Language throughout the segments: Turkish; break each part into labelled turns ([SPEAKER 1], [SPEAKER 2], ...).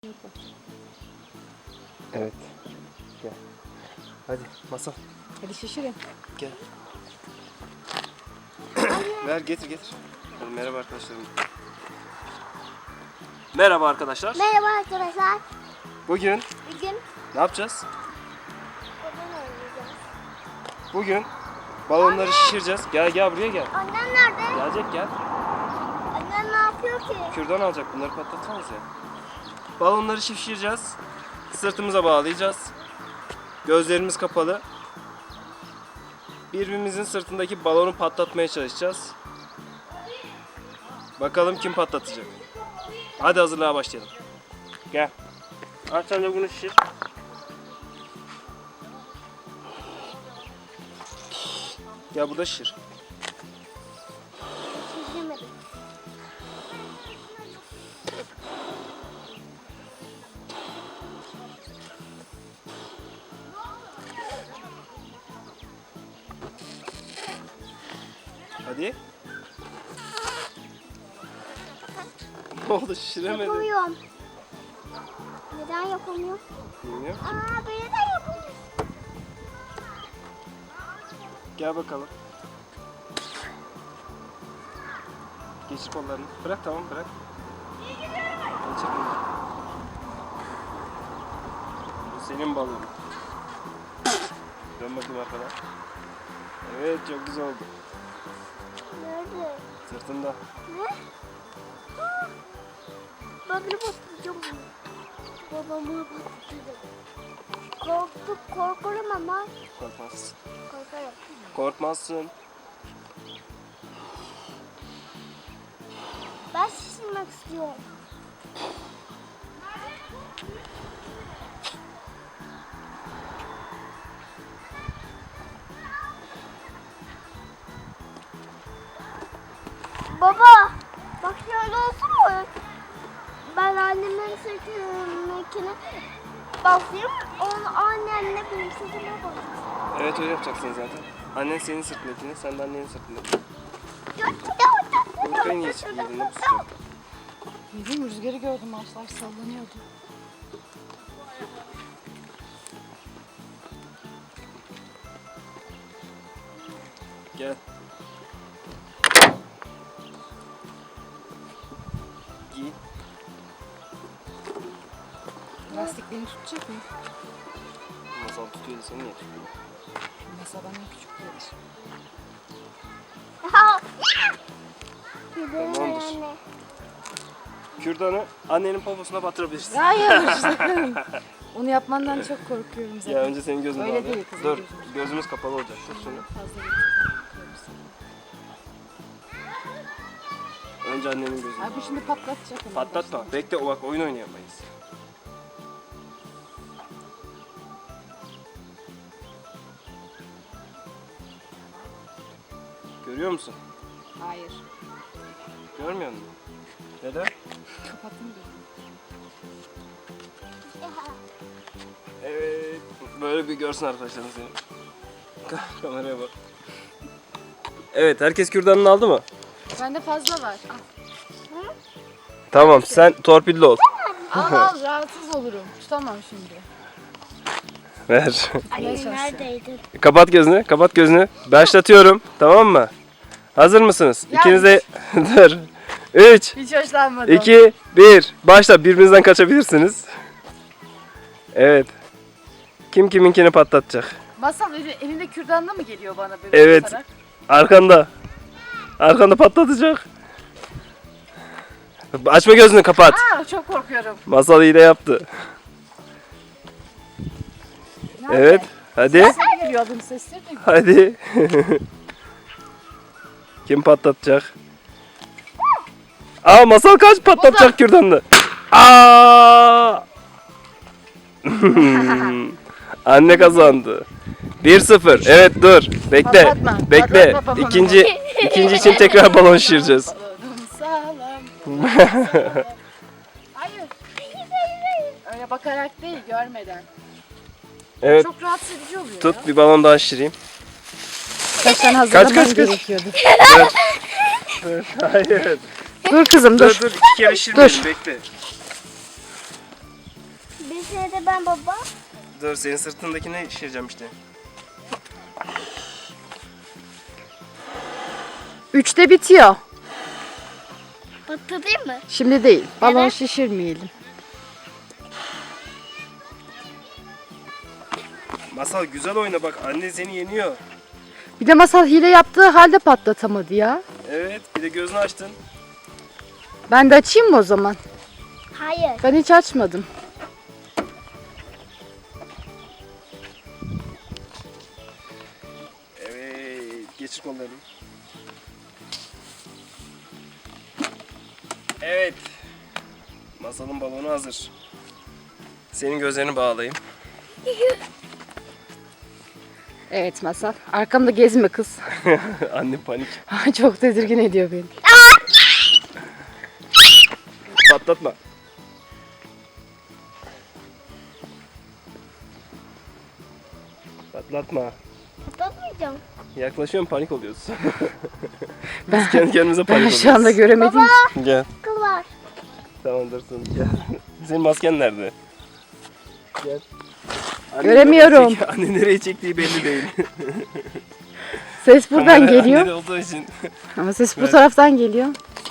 [SPEAKER 1] Evet. Gel. Hadi Masal.
[SPEAKER 2] Hadi şişirin.
[SPEAKER 1] Gel. Ver getir. Hadi merhaba arkadaşlarım. Merhaba arkadaşlar.
[SPEAKER 3] Merhaba arkadaşlar.
[SPEAKER 1] Bugün
[SPEAKER 3] Bugün
[SPEAKER 1] ne yapacağız?
[SPEAKER 3] balon oynayacağız.
[SPEAKER 1] Bugün balonları şişireceğiz. Gel buraya gel.
[SPEAKER 3] Annem nerede?
[SPEAKER 1] Gelecek gel.
[SPEAKER 3] Annem ne yapıyor ki?
[SPEAKER 1] Kürdan alacak, bunları patlatacağız ya. Balonları şişireceğiz. Sırtımıza bağlayacağız. Gözlerimiz kapalı. Birbirimizin sırtındaki balonu patlatmaya çalışacağız. Bakalım kim patlatacak. Hadi hazırlığa başlayalım. Gel. Aç sen de bunu şişir. Gel burada şişir.
[SPEAKER 3] Şişirmedim.
[SPEAKER 1] Hadi. Ne oldu, şişiremedin?
[SPEAKER 3] Yapamıyorum. Neden yapamıyorum?
[SPEAKER 1] Bilmiyorum.
[SPEAKER 3] Neden yapamıyorum?
[SPEAKER 1] Gel bakalım. Geçir kollarını. Bırak, tamam bırak. Geçir kollarını. Bu senin balonun. Dön bakayım arkana. Evet, çok güzel oldu.
[SPEAKER 3] Nerede?
[SPEAKER 1] Sırtında.
[SPEAKER 3] Ne? Ben bir patlayacağım bunu. Babamı patlayacağım. Korkarım ama.
[SPEAKER 1] Korkmazsın.
[SPEAKER 3] Korkarım.
[SPEAKER 1] Korkmazsın.
[SPEAKER 3] Ben şişirmek istiyorum. Baba, bak şöyle olsun mu? Ben annemin sırtındakine basayım, onu annenle benim sırtıma basayım.
[SPEAKER 1] Evet, öyle yapacaksın zaten. Annen senin sırtındakini, sen de annenin sırtındakini. Burkayı niye giydin de bu sıcak?
[SPEAKER 2] Bilmiyorum, rüzgarı gördüm, ağaçlar sallanıyordu.
[SPEAKER 1] Gel. Giy.
[SPEAKER 2] Lastiklerini tutacak mı?
[SPEAKER 1] Masal tutuyordu, seni niye tutuyor?
[SPEAKER 2] Mesela benden küçük değildir.
[SPEAKER 1] Tamamdır.
[SPEAKER 3] Anne.
[SPEAKER 1] Kürdanı annenin poposuna batırabilirsin.
[SPEAKER 2] Hayır, sakın. Onu yapmandan çok korkuyorum zaten.
[SPEAKER 1] Ya önce senin gözünü
[SPEAKER 2] Öyle
[SPEAKER 1] bağla.
[SPEAKER 2] değil kızım,
[SPEAKER 1] Dur,
[SPEAKER 2] gözümüz.
[SPEAKER 1] gözümüz kapalı olacak. Dur şunu.
[SPEAKER 2] Fazla getirdim.
[SPEAKER 1] Önce annenin gözünü.
[SPEAKER 2] Ay bu şimdi patlatacak onu.
[SPEAKER 1] Patlatma. Bekle, o bak oyun oynayamayız. Görüyor musun?
[SPEAKER 2] Hayır.
[SPEAKER 1] Görmüyor musun? Neden?
[SPEAKER 2] Kapattım gözümü.
[SPEAKER 1] Evet. Böyle bir görsün arkadaşlar seni. Kameraya bak. Evet, herkes kürdanını aldı mı?
[SPEAKER 2] Bende fazla var.
[SPEAKER 1] Tamam, sen torpilli ol.
[SPEAKER 2] Al rahatsız olurum. Tutamam şimdi.
[SPEAKER 1] Ver.
[SPEAKER 3] Anne neredeydin?
[SPEAKER 1] Kapat gözünü. Başlatıyorum. Tamam mı? Hazır mısınız?
[SPEAKER 2] Ya.
[SPEAKER 1] İkiniz de dur. 3,
[SPEAKER 2] Hiç hoşlanmadım.
[SPEAKER 1] 2, 1. Başla. Birbirinizden kaçabilirsiniz. Evet. Kim kiminkini patlatacak?
[SPEAKER 2] Masal elinde kürdanla mı geliyor bana böyle
[SPEAKER 1] Evet.
[SPEAKER 2] basarak?
[SPEAKER 1] Arkanda. Arkanda patlatacak. Açma gözünü, kapat.
[SPEAKER 2] Çok korkuyorum.
[SPEAKER 1] Masal iyi de yaptı.
[SPEAKER 2] Nerede?
[SPEAKER 1] Evet. Hadi.
[SPEAKER 2] Sesleri geliyor, adım sesleri de.
[SPEAKER 1] Hadi. Kim patlatacak? Masal kaç patlatacak kürdanını. Anne kazandı. 1-0. Evet, dur. Bekle.
[SPEAKER 2] Patlatma.
[SPEAKER 1] Bekle.
[SPEAKER 2] Patlatma babamı.
[SPEAKER 1] İkinci için tekrar balon şişireceğiz.
[SPEAKER 2] Balonum sağlam. Hayır. Öyle bakarak değil, görmeden.
[SPEAKER 1] Evet.
[SPEAKER 2] Çok rahatsız edici oluyor
[SPEAKER 1] Tut,
[SPEAKER 2] ya.
[SPEAKER 1] bir balon daha şişireyim.
[SPEAKER 2] Sen
[SPEAKER 1] hazırlaman
[SPEAKER 2] gerekiyordu.
[SPEAKER 1] Hayır.
[SPEAKER 2] Dur kızım dur.
[SPEAKER 1] Dur, 2 kere şişirmeyelim. Bekle.
[SPEAKER 3] Birisine de ben baba.
[SPEAKER 1] Dur senin sırtındakine şişireceğim işte.
[SPEAKER 2] 3'te bitiyor.
[SPEAKER 3] Patlatayım mı?
[SPEAKER 2] Şimdi değil. Balon
[SPEAKER 3] Neden?
[SPEAKER 2] şişirmeyelim.
[SPEAKER 1] Masal güzel oyna bak, anne seni yeniyor.
[SPEAKER 2] Bir de Masal hile yaptığı halde patlatamadı ya.
[SPEAKER 1] Evet, bir de gözünü açtın.
[SPEAKER 2] Ben de açayım mı o zaman?
[SPEAKER 3] Hayır.
[SPEAKER 2] Ben hiç açmadım.
[SPEAKER 1] Evet, geçir kollarını. Evet. Masalın balonu hazır. Senin gözlerini bağlayayım.
[SPEAKER 2] Evet Masal. Arkamda gezme kız.
[SPEAKER 1] Anne panik.
[SPEAKER 2] Çok tedirgin ediyor beni.
[SPEAKER 1] Patlatma. Patlatma.
[SPEAKER 3] Patlatmayacağım.
[SPEAKER 1] Yaklaşıyorum, panik oluyorsun.
[SPEAKER 2] Ben,
[SPEAKER 1] Biz kendi kendimize panik
[SPEAKER 2] ben
[SPEAKER 1] oluyoruz.
[SPEAKER 2] şu anda göremedim.
[SPEAKER 1] Gel.
[SPEAKER 3] Kıl var.
[SPEAKER 1] Tamam dursun. Gel. Senin masken nerede? Gel. Anne
[SPEAKER 2] Göremiyorum.
[SPEAKER 1] nereye çek- Anne nereye çektiği belli değil.
[SPEAKER 2] Ses buradan
[SPEAKER 1] Kamera
[SPEAKER 2] geliyor.
[SPEAKER 1] annede olduğu için.
[SPEAKER 2] Ama ses bu
[SPEAKER 1] Evet.
[SPEAKER 2] taraftan geliyor.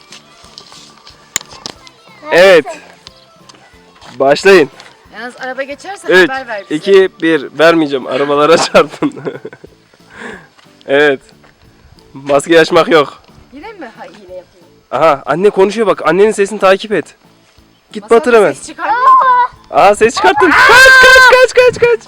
[SPEAKER 1] Evet. Başlayın.
[SPEAKER 2] Yalnız araba geçerse
[SPEAKER 1] 3,
[SPEAKER 2] haber ver bize.
[SPEAKER 1] 2, 1. Vermeyeceğim. Arabalara çarpın. Evet. Maskeyi açmak yok.
[SPEAKER 2] Yine mi hile yapıyor?
[SPEAKER 1] Aha, anne konuşuyor bak. Annenin sesini takip et. Git
[SPEAKER 2] Masal
[SPEAKER 1] batır hemen.
[SPEAKER 2] ses çıkarmıyor.
[SPEAKER 1] Aa, ses çıkarttın. Kaç.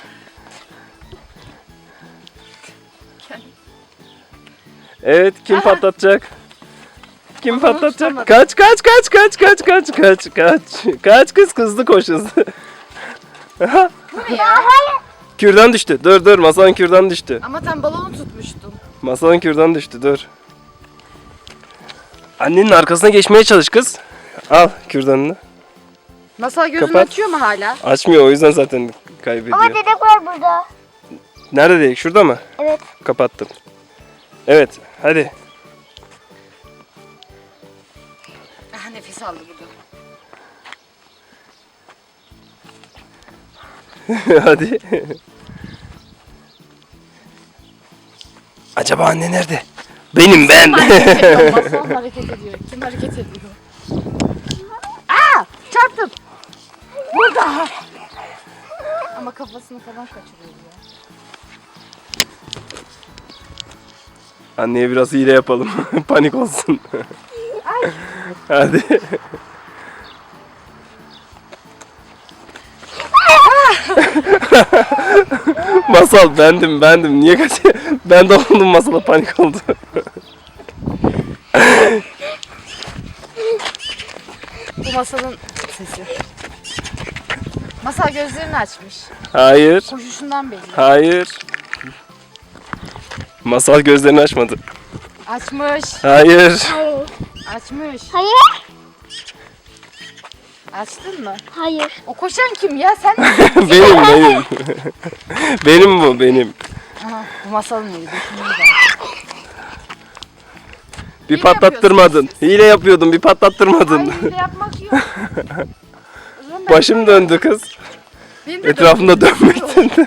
[SPEAKER 1] Evet, kim patlatacak? Kim
[SPEAKER 2] Balonu
[SPEAKER 1] patlatacak?
[SPEAKER 2] tutamadım.
[SPEAKER 1] Kaç kız hızlı koş hızlı. Aha. Kürdan düştü. Dur masanın kürdan düştü.
[SPEAKER 2] Ama sen balonu tutmuştun.
[SPEAKER 1] Masanın kürdan düştü, dur. Annenin arkasına geçmeye çalış kız. Al kürdanını.
[SPEAKER 2] Masal gözünü
[SPEAKER 1] Kapat.
[SPEAKER 2] açıyor mu hala?
[SPEAKER 1] Açmıyor, o yüzden zaten kaybediyor.
[SPEAKER 3] Ama dedek var burada.
[SPEAKER 1] Nerede dedik? Şurada mı?
[SPEAKER 3] Evet.
[SPEAKER 1] Kapattım. Evet, hadi.
[SPEAKER 2] Ah, nefes aldı burada.
[SPEAKER 1] Hadi. Acaba anne nerede? Benim ben.
[SPEAKER 2] Masal hareket ediyor. Kim hareket ediyor? Aa! Çarptım. Burada. Ama kafasını falan kaçırıyor ya.
[SPEAKER 1] Anneye biraz hile yapalım. Panik olsun. Hadi. Masal bendim. Niye kaçıyor? Ben de oldum, masala panik oldu.
[SPEAKER 2] Bu Masal'ın sesi. Masal gözlerini açmış.
[SPEAKER 1] Hayır.
[SPEAKER 2] Koşuşundan belli.
[SPEAKER 1] Hayır. Masal gözlerini açmadı.
[SPEAKER 2] Açmış.
[SPEAKER 1] Hayır.
[SPEAKER 3] Hayır.
[SPEAKER 2] Açmış.
[SPEAKER 3] Hayır.
[SPEAKER 2] Açtın mı?
[SPEAKER 3] Hayır.
[SPEAKER 2] O koşan kim ya? Sen mi?
[SPEAKER 1] benim. Benim bu, benim.
[SPEAKER 2] Aha, bu Masal'ın mıydı?
[SPEAKER 1] Bir
[SPEAKER 2] Hile
[SPEAKER 1] patlattırmadın.
[SPEAKER 2] yapıyorsunuz siz.
[SPEAKER 1] Hile yapıyordum, bir patlattırmadın.
[SPEAKER 2] Hayır, hile yapmak yok. O zaman ben-
[SPEAKER 1] Başım döndü kız.
[SPEAKER 2] Benim de
[SPEAKER 1] Etrafında
[SPEAKER 2] döndü.
[SPEAKER 1] dönmekten.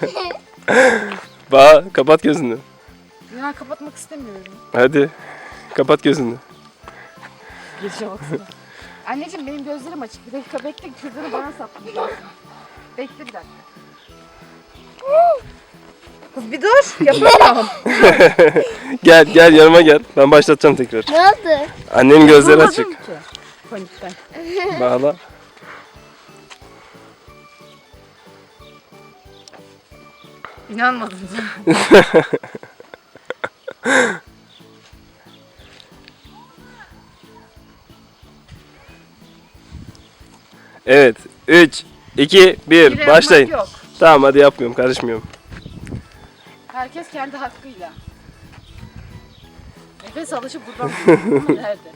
[SPEAKER 1] Kapat gözünü.
[SPEAKER 2] Ya kapatmak istemiyorum.
[SPEAKER 1] Hadi. Kapat gözünü.
[SPEAKER 2] Geçe baksana. Anneciğim benim gözlerim açık. Bir dakika bekle, kürdanı bana saplayacak. Bekle bir dakika. Kız bir dur, yapamıyorum.
[SPEAKER 1] Gel yanıma gel. Ben başlatacağım tekrar.
[SPEAKER 3] Ne oldu?
[SPEAKER 1] Annenin gözleri
[SPEAKER 2] Durmadım
[SPEAKER 1] açık.
[SPEAKER 2] ki. Panikten.
[SPEAKER 1] Bağla.
[SPEAKER 2] İnanmadım.
[SPEAKER 1] Evet. 3, 2, 1.
[SPEAKER 2] Hile
[SPEAKER 1] Başlayın.
[SPEAKER 2] yapmak yok.
[SPEAKER 1] Tamam hadi, yapmıyorum. Karışmıyorum.
[SPEAKER 2] Herkes kendi hakkıyla. Nefes alışı buradan duyuyor ama nerede?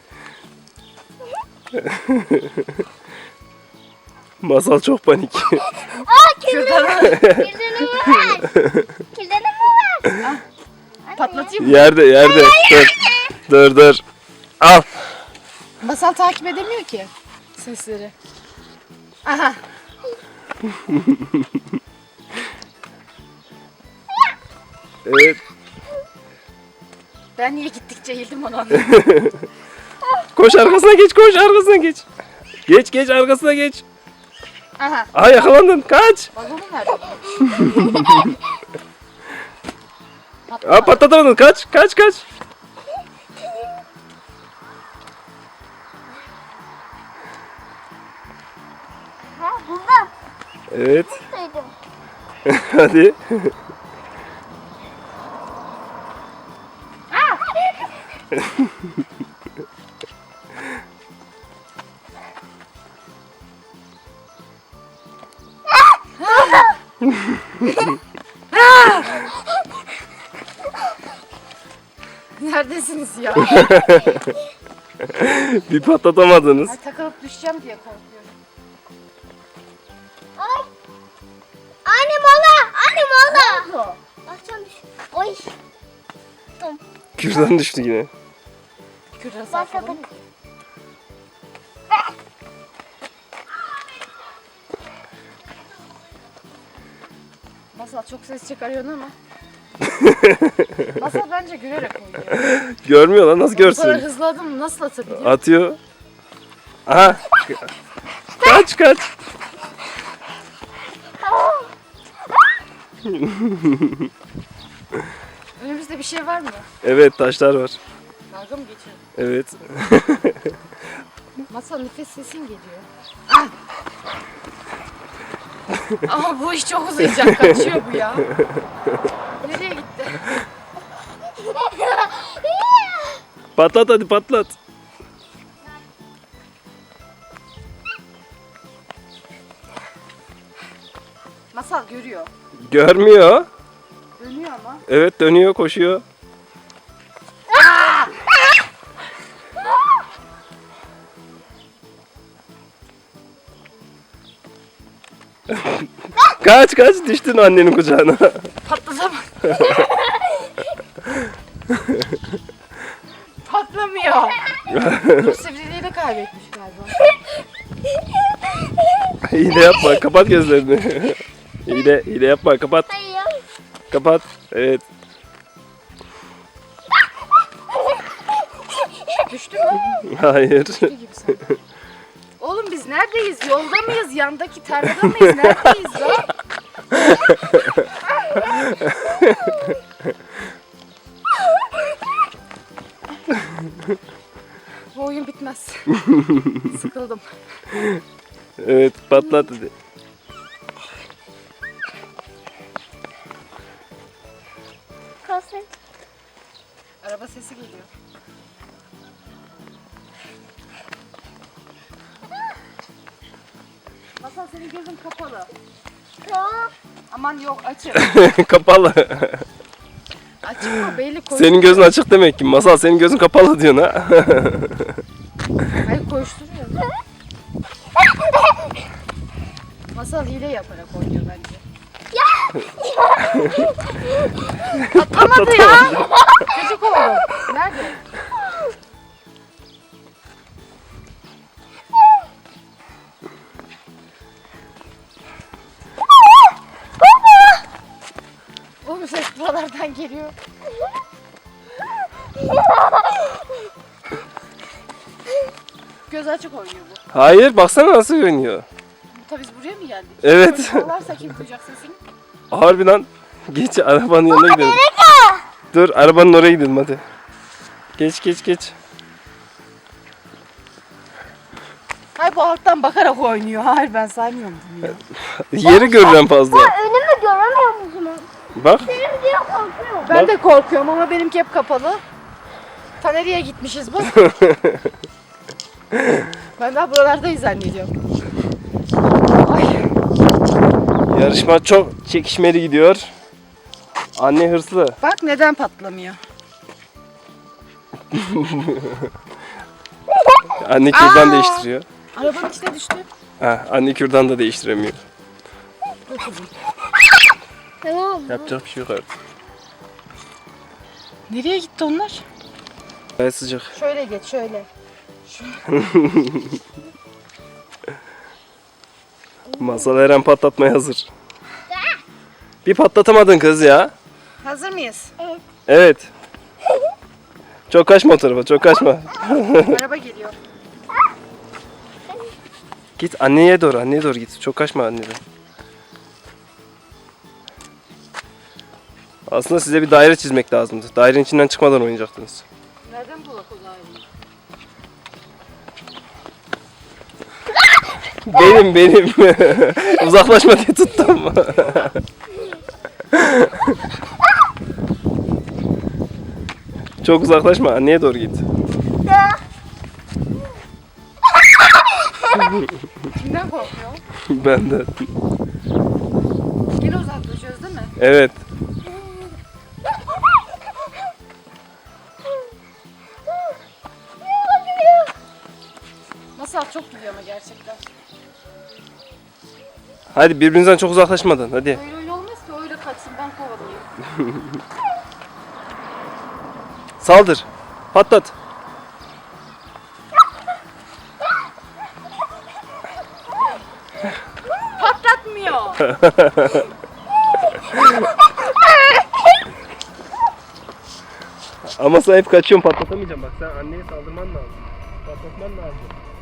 [SPEAKER 1] Masal çok panik.
[SPEAKER 2] Kürdanı
[SPEAKER 3] Kirdenimi ver. Kirdenimi ver.
[SPEAKER 2] patlatayım mı?
[SPEAKER 1] Yerde. Dur. Al.
[SPEAKER 2] Masal takip edemiyor ki sesleri. Aha.
[SPEAKER 1] Evet.
[SPEAKER 2] Ben niye gittikçe eğildim onu anladım.
[SPEAKER 1] Koş arkasına geç, koş arkasına geç. Geç arkasına geç.
[SPEAKER 2] Aha.
[SPEAKER 1] Aa yakalandın. Kaç.
[SPEAKER 2] Balonu nerede?
[SPEAKER 1] Aa patlatamadın. Kaç.
[SPEAKER 3] Ha burada.
[SPEAKER 1] Evet.
[SPEAKER 3] Duydum.
[SPEAKER 1] Hadi.
[SPEAKER 2] Neredesiniz ya?
[SPEAKER 1] Bir patlatamadınız.
[SPEAKER 2] Ay, takılıp düşeceğim diye korkuyorum.
[SPEAKER 3] Ay. Anne mola. Anne mola. Bakacağım. Oy.
[SPEAKER 1] Kürdan düştü yine.
[SPEAKER 2] Kürdan
[SPEAKER 3] Bak
[SPEAKER 2] sarkalım.
[SPEAKER 3] bak.
[SPEAKER 2] Masal çok ses çıkarıyorsun ama. Masal bence gülerek oynuyor.
[SPEAKER 1] Görmüyor lan, nasıl
[SPEAKER 2] Bu kadar
[SPEAKER 1] görsün?
[SPEAKER 2] hızlı adım nasıl atabiliyor?
[SPEAKER 1] Atıyor. Aha. Kaç.
[SPEAKER 2] Önümüzde bir şey var mı?
[SPEAKER 1] Evet, taşlar var.
[SPEAKER 2] Dalga mı geçiyor?
[SPEAKER 1] Evet.
[SPEAKER 2] Masal nefes sesin geliyor. Ah! Ama bu iş çok uzayacak. Kaçıyor bu ya. Nereye gitti?
[SPEAKER 1] Patlat hadi, patlat.
[SPEAKER 2] Masal görüyor.
[SPEAKER 1] Görmüyor.
[SPEAKER 2] Dönüyor ama.
[SPEAKER 1] Evet, dönüyor, koşuyor. Kaç düştün annenin kucağına.
[SPEAKER 2] Patlatamaz. Patlamıyor. Dur sivriliğini kaybetmiş galiba.
[SPEAKER 1] Hile yapma, kapat gözlerini. Hile yapma, kapat.
[SPEAKER 3] Hayır.
[SPEAKER 1] Kapat. Evet.
[SPEAKER 2] Düştü mü?
[SPEAKER 1] Hayır.
[SPEAKER 2] Düştü gibi sanki. Oğlum biz neredeyiz? Yolda mıyız? Yandaki tarlada mıyız? Neredeyiz ya? Bu oyun bitmez. Sıkıldım.
[SPEAKER 1] Evet, patlat hadi.
[SPEAKER 3] Kalsın.
[SPEAKER 2] Araba sesi geliyor. Masal senin gözün kapalı.
[SPEAKER 3] Tamam.
[SPEAKER 2] Aman yok açık.
[SPEAKER 1] Kapalı.
[SPEAKER 2] Açık mı? Belli koşturuyor.
[SPEAKER 1] Senin gözün açık demek ki. Masal, senin gözün kapalı diyorsun ha.
[SPEAKER 2] Hayır koşturuyor. Masal hile yaparak oynuyor bence. Atlamadı ya. Gıcık oldu. Nerede? Bu ses buralardan geliyor. Göz açık oynuyor bu.
[SPEAKER 1] Hayır, baksana nasıl oynuyor.
[SPEAKER 2] Tabii biz buraya mı geldik?
[SPEAKER 1] Evet.
[SPEAKER 2] Çalarsa kim duyacak sesini?
[SPEAKER 1] Harbiden. Geç, arabanın yanına gidelim. Dur, arabanın oraya gidelim hadi. Geç.
[SPEAKER 2] Hayır bu alttan bakarak oynuyor. Hayır ben saymıyorum bunu ya.
[SPEAKER 1] Yeri görürüm fazla.
[SPEAKER 3] Önümü göremiyor musun?
[SPEAKER 1] Bak.
[SPEAKER 3] Benim diye korkuyorum.
[SPEAKER 2] Ben de korkuyorum ama benimki hep kapalı. Ta nereye gitmişiz bu? Ben daha buralardayız zannediyorum. Ay.
[SPEAKER 1] Yarışma çok çekişmeli gidiyor. Anne hırslı.
[SPEAKER 2] Bak neden patlamıyor?
[SPEAKER 1] Anne kürdan
[SPEAKER 2] Aa!
[SPEAKER 1] değiştiriyor.
[SPEAKER 2] Arabanın içine düştü.
[SPEAKER 1] Ha, anne kürdan da değiştiremiyor.
[SPEAKER 3] Tamam.
[SPEAKER 1] Yapacak bir şey yok artık.
[SPEAKER 2] Nereye gitti onlar?
[SPEAKER 1] Gayet sıcak.
[SPEAKER 2] Şöyle geç şöyle.
[SPEAKER 1] Masal her an patlatmaya hazır. Bir patlatamadın kız ya.
[SPEAKER 2] Hazır mıyız?
[SPEAKER 1] Evet. Çok kaçma o tarafa, çok kaçma.
[SPEAKER 2] Araba geliyor.
[SPEAKER 1] Git anneye doğru git. Çok kaçma anneden. Aslında size bir daire çizmek lazımdı. Dairenin içinden çıkmadan oynayacaktınız.
[SPEAKER 2] Nereden bulak o daireyi?
[SPEAKER 1] Benim. Uzaklaşma diye tuttum. Çok uzaklaşma, anneye doğru git.
[SPEAKER 2] Kimden korkuyor?
[SPEAKER 1] Benden.
[SPEAKER 2] Yine uzaklaşıyoruz değil mi?
[SPEAKER 1] Evet.
[SPEAKER 2] Masal çok gidiyor ama gerçekten.
[SPEAKER 1] Hadi birbirinizden çok uzaklaşmadan hadi.
[SPEAKER 2] Öyle olmaz ki öyle kaçsın ben kovalayayım.
[SPEAKER 1] Saldır. Patlat.
[SPEAKER 2] Patlatmıyor.
[SPEAKER 1] Ama sen hep kaçıyorsun, patlatamayacağım. Bak sen anneye saldırman lazım. Patlatman lazım.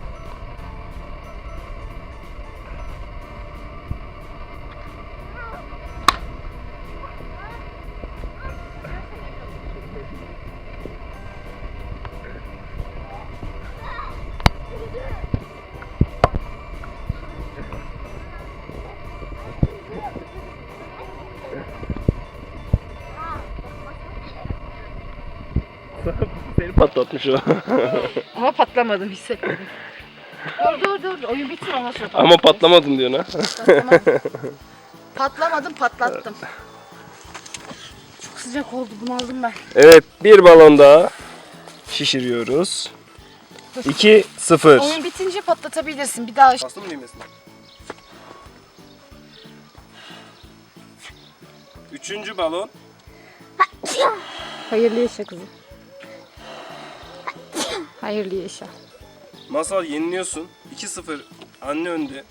[SPEAKER 1] Seni patlatmış o.
[SPEAKER 2] Ama patlamadım hissetmedim. Dur. Oyun bitsin ondan sonra
[SPEAKER 1] Ama patlamadın diyorsun ha.
[SPEAKER 2] Patlamadım patlattım. Çok sıcak oldu bunaldım ben.
[SPEAKER 1] Evet, bir balon daha şişiriyoruz. 2-0.
[SPEAKER 2] Oyun bitince patlatabilirsin bir daha.
[SPEAKER 1] Bastın mı düğmesine? Üçüncü balon.
[SPEAKER 2] Hayırlı yaşa kızım. Hayırlı yaşa.
[SPEAKER 1] Masal yeniliyorsun. 2-0. Anne önde.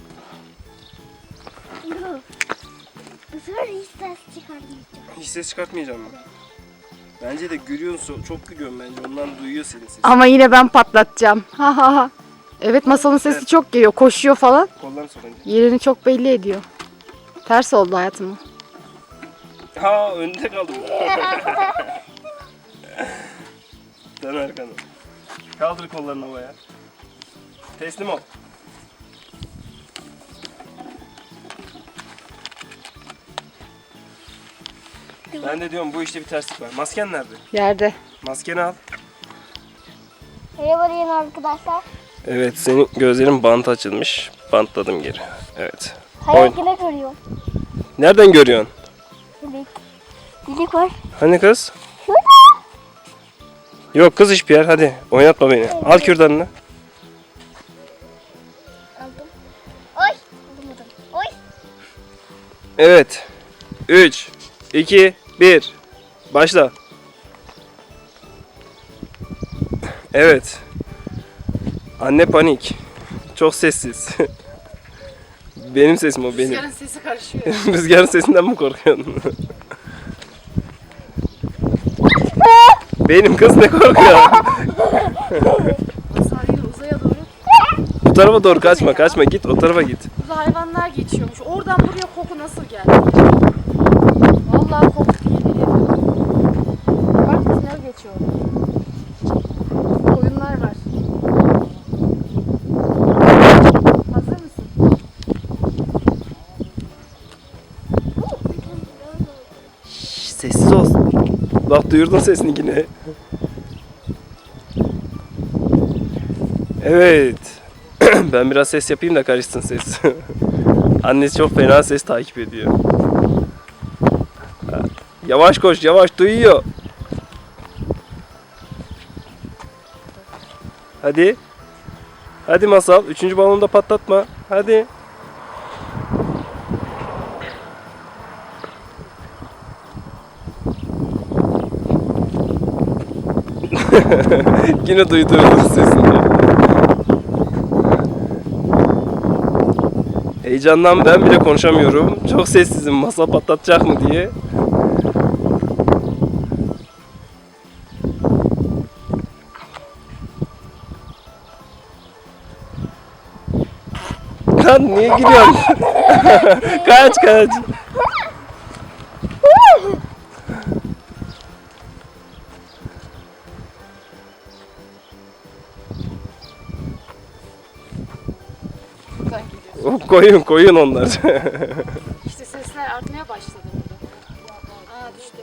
[SPEAKER 3] Bu sefer hiç ses çıkarmayacağım.
[SPEAKER 1] Hiç ses çıkartmayacağım ben. Bence de gülüyorsun. Çok gülüyorum bence. Ondan duyuyor senin sesini.
[SPEAKER 2] Ama yine ben patlatacağım. Ha ha ha. Evet Masal'ın sesi çok geliyor. Koşuyor falan.
[SPEAKER 1] Kollarını sok önce.
[SPEAKER 2] Yerini çok belli ediyor. Ters oldu hayatım.
[SPEAKER 1] Ha önde kaldım. Dön arkanı. Kaldır kollarını havaya. Teslim ol. Ben de diyorum bu işte bir terslik var. Masken nerede?
[SPEAKER 2] Yerde.
[SPEAKER 1] Maskeni al.
[SPEAKER 3] Merhaba diyen arkadaşlar.
[SPEAKER 1] Evet, senin gözlerin bant açılmış. Bantladım geri. Evet.
[SPEAKER 3] Hayal yine görüyorum.
[SPEAKER 1] Nereden görüyorsun?
[SPEAKER 3] Delik. Delik var.
[SPEAKER 1] Hani kız?
[SPEAKER 3] Şurada.
[SPEAKER 1] Yok kız hiçbir yer. Hadi oynatma beni. Al kürdanını.
[SPEAKER 3] Aldım. Oy. Alamadım. Oy.
[SPEAKER 1] Evet. 3, 2, 1. Başla. Evet. Anne panik. Çok sessiz. Benim sesim o benim.
[SPEAKER 2] Rüzgarın sesi karışıyor.
[SPEAKER 1] Rüzgarın sesinden mi korkuyorsun? Benim kız ne korkuyor?
[SPEAKER 2] Masal yine uzaya doğru.
[SPEAKER 1] Bu tarafa doğru kaçma git o tarafa git.
[SPEAKER 2] Burada hayvanlar geçiyormuş. Oradan buraya koku nasıl geldi? Vallahi koku geliyor. Bak tünel geçiyor. Koyunlar var. Hazır mısın?
[SPEAKER 1] Şşş, sessiz ol. Bak duyurdun sesini yine. Evet. Ben biraz ses yapayım da karışsın ses. Annesi çok fena ses takip ediyor. Yavaş koş yavaş duyuyor. Hadi. Hadi Masal. Üçüncü balonu da patlatma. Hadi. Yine duydurdun sesini. Heyecandan ben bile konuşamıyorum. Çok sessizim masa patlatacak mı diye. Lan niye gülüyorsun? Kaç kaç.
[SPEAKER 2] Buradan gidiyoruz.
[SPEAKER 1] Koyun koyun onlar.
[SPEAKER 2] İşte sesler artmaya başladı burada. Aa düştü.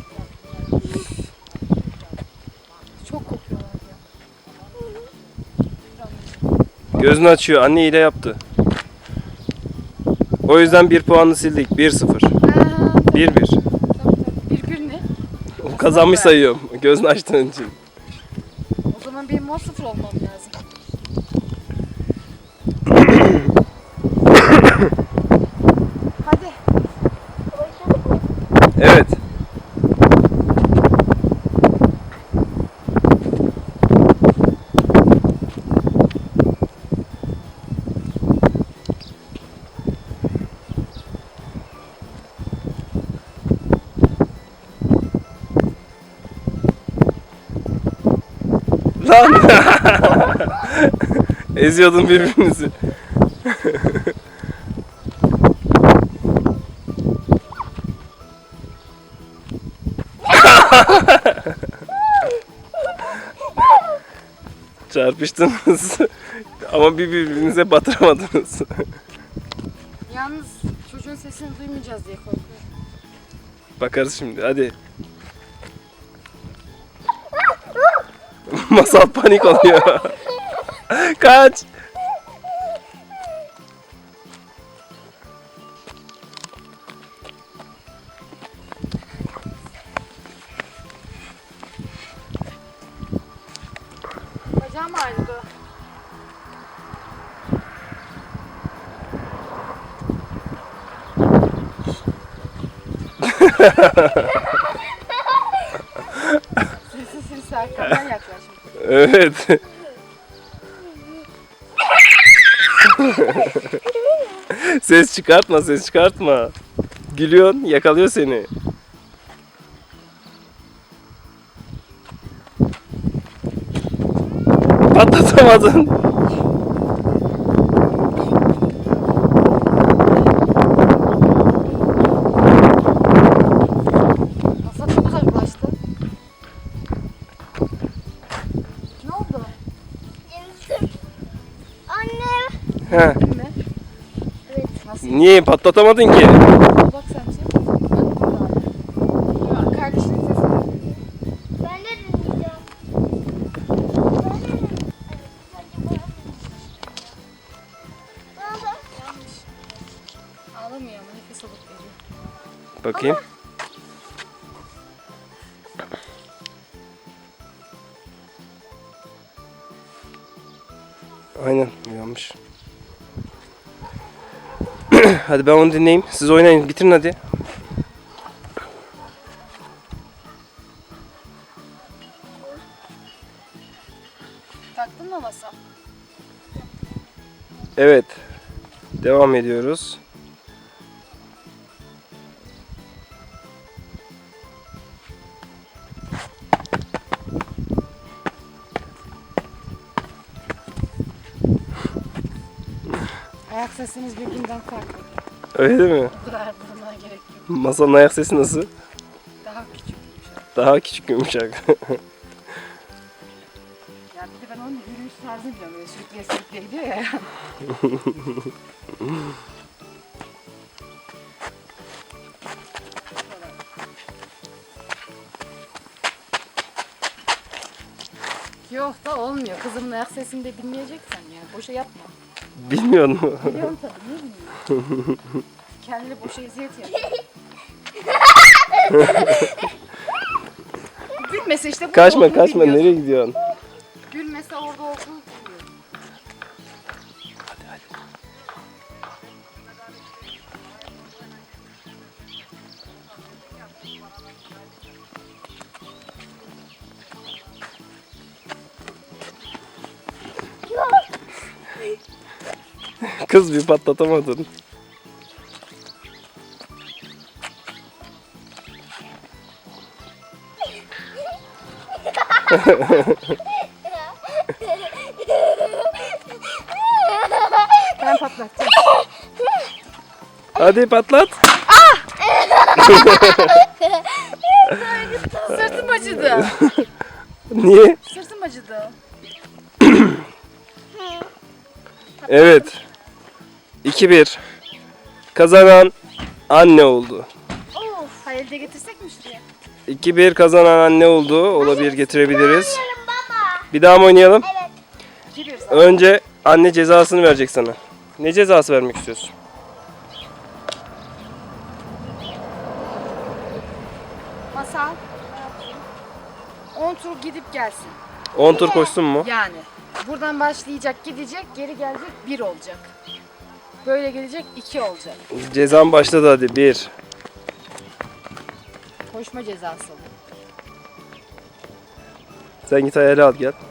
[SPEAKER 2] Çok kokuyorlar ya.
[SPEAKER 1] Gözünü açıyor. Anne hile yaptı. O yüzden 1 puanını sildik. 1-0. 1-1.
[SPEAKER 2] Bir ne?
[SPEAKER 1] O kazanmış sayıyorum. Gözünü açtığın için.
[SPEAKER 2] O zaman benim 10-0 olmam lazım. Hadi.
[SPEAKER 1] Evet. Lan! Eziyordun birbirinizi. Çarpıştınız. Ama birbirinize batıramadınız.
[SPEAKER 2] Yalnız çocuğun sesini duymayacağız diye korkuyorum.
[SPEAKER 1] Bakarız şimdi hadi. Masal panik oluyor. Kaç.
[SPEAKER 2] Bacağım ağrıdı. Sessiz sessiz arkamdan yaklaşmış.
[SPEAKER 1] Evet. Ses çıkartma, ses çıkartma. Gülüyorsun, yakalıyor seni. Patlatamadın.
[SPEAKER 2] Masa çok uzaklaştı. Ne oldu?
[SPEAKER 3] Annem.
[SPEAKER 1] He.
[SPEAKER 2] Değil mi?
[SPEAKER 3] Evet.
[SPEAKER 2] Nasıl?
[SPEAKER 1] Niye patlatamadın ki?
[SPEAKER 2] Bak sen çek. Ya, kardeşinin sesini duyuyor.
[SPEAKER 3] Ben de dinleyeceğim.
[SPEAKER 2] Yanlış. Ağlamıyor ama nefes alıp veriyor.
[SPEAKER 1] Bakayım. Aynen uyanmış. Hadi ben onu dinleyeyim. Siz oynayın. Bitirin hadi.
[SPEAKER 2] Taktın mı masa?
[SPEAKER 1] Evet. Devam ediyoruz.
[SPEAKER 2] Ayak sesiniz birbirinden farklı.
[SPEAKER 1] Öyle mi?
[SPEAKER 2] Bu kadar bulunmaya gerek yok.
[SPEAKER 1] Masanın ayak sesi nasıl?
[SPEAKER 2] Daha küçük bir şey.
[SPEAKER 1] Daha küçük yumuşak.
[SPEAKER 2] Ya bir de ben onun yürüyüş tarzını biliyorum. Böyle sürükleye sürükleye gidiyor ya. Yok da olmuyor. Kızımın ayak sesini de bilmeyeceksen ya. Boşa yapma.
[SPEAKER 1] Bilmiyor musun?
[SPEAKER 2] Biliyorum tabii. Niye bilmiyorum? Kendine boşa eziyet yapıyor. Gülmese işte bu
[SPEAKER 1] Kaçma
[SPEAKER 2] olduğunu
[SPEAKER 1] kaçma.
[SPEAKER 2] biliyorsun.
[SPEAKER 1] Nereye gidiyorsun?
[SPEAKER 2] Gülmese orada olduğunu biliyor.
[SPEAKER 1] Kız bir patlatamadın.
[SPEAKER 2] Ben patlatacağım.
[SPEAKER 1] Hadi patlat.
[SPEAKER 2] Sırtım acıdı.
[SPEAKER 1] Niye?
[SPEAKER 2] Sırtım acıdı.
[SPEAKER 1] Evet. 2-1. Kazanan anne oldu.
[SPEAKER 2] Of. Hayır de getirsek mi şuraya?
[SPEAKER 1] 2-1 kazanan anne oldu. Olabilir, getirebiliriz.
[SPEAKER 3] Oynayalım baba.
[SPEAKER 1] Bir daha mı oynayalım?
[SPEAKER 3] Evet.
[SPEAKER 2] Giriyoruz.
[SPEAKER 1] Önce anne cezasını verecek sana. Ne cezası vermek istiyorsun?
[SPEAKER 2] Masal. 10 tur gidip gelsin.
[SPEAKER 1] 10 tur koşsun mu?
[SPEAKER 2] Yani. Buradan başlayacak, gidecek, geri gelecek 1 olacak. Böyle gelecek 2 olacak.
[SPEAKER 1] Cezam başladı hadi. 1.
[SPEAKER 2] Koşma cezası.
[SPEAKER 1] Sen git ayarı al gel.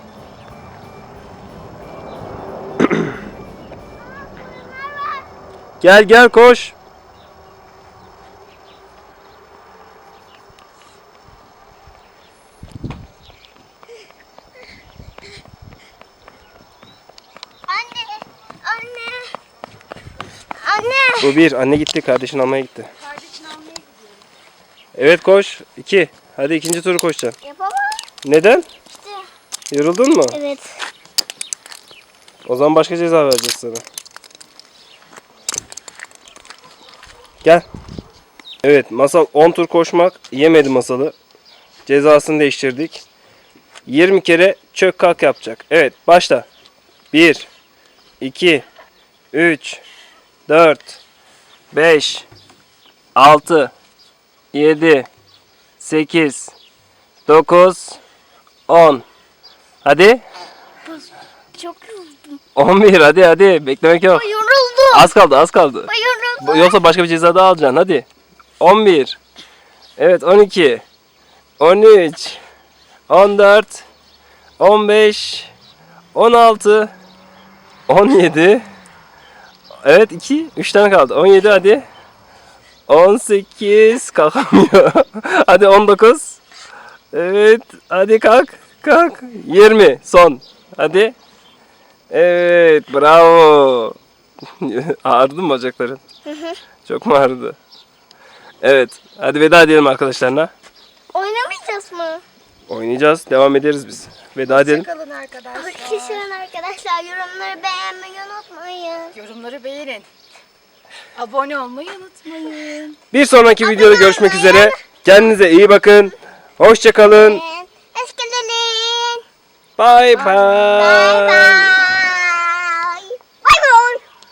[SPEAKER 1] Gel gel koş.
[SPEAKER 3] Anne. Anne. Anne.
[SPEAKER 1] Bu 1. Anne gitti. Kardeşini almaya gitti.
[SPEAKER 2] Kardeşini almaya gidiyorum.
[SPEAKER 1] Evet koş. 2. Hadi ikinci turu koşacaksın.
[SPEAKER 3] Yapamam.
[SPEAKER 1] Neden?
[SPEAKER 3] İşte.
[SPEAKER 1] Yoruldun mu?
[SPEAKER 3] Evet.
[SPEAKER 1] O zaman başka ceza vereceğiz sana. Gel. Evet, Masal 10 tur koşmak yemedi Masal'ı. Cezasını değiştirdik. 20 kere çök kalk yapacak. Evet, başla. 1 2 3 4 5 6 7 8 9 10. Hadi.
[SPEAKER 3] Çok yoruldum.
[SPEAKER 1] 11 hadi beklemek yok.
[SPEAKER 3] Yoruldum.
[SPEAKER 1] Az kaldı az kaldı.
[SPEAKER 3] Yoruldum.
[SPEAKER 1] Yoksa başka bir ceza daha alacaksın hadi. 11. Evet 12. 13. 14. 15. 16. 17. Evet 2. 3 tane kaldı. 17 hadi. 18. Kalkamıyor. Hadi 19. Evet hadi kalk. Kalk. 20. Son. Hadi. Evet bravo. Ağrıdı mı bacakların? Çok mu ağrıdı? Evet. Hadi veda edelim arkadaşlarına.
[SPEAKER 3] Oynamayacağız mı?
[SPEAKER 1] Oynayacağız. Devam ederiz biz. Veda edelim.
[SPEAKER 2] Kalın arkadaşlar.
[SPEAKER 3] Hoşçakalın arkadaşlar. Yorumları beğenmeyi unutmayın.
[SPEAKER 2] Yorumları beğenin. Abone olmayı unutmayın.
[SPEAKER 1] Bir sonraki videoda görüşmek üzere. Kendinize iyi bakın. Hoşça kalın.
[SPEAKER 3] Hoşçakalın.
[SPEAKER 1] Bye bye.
[SPEAKER 3] Bye bye.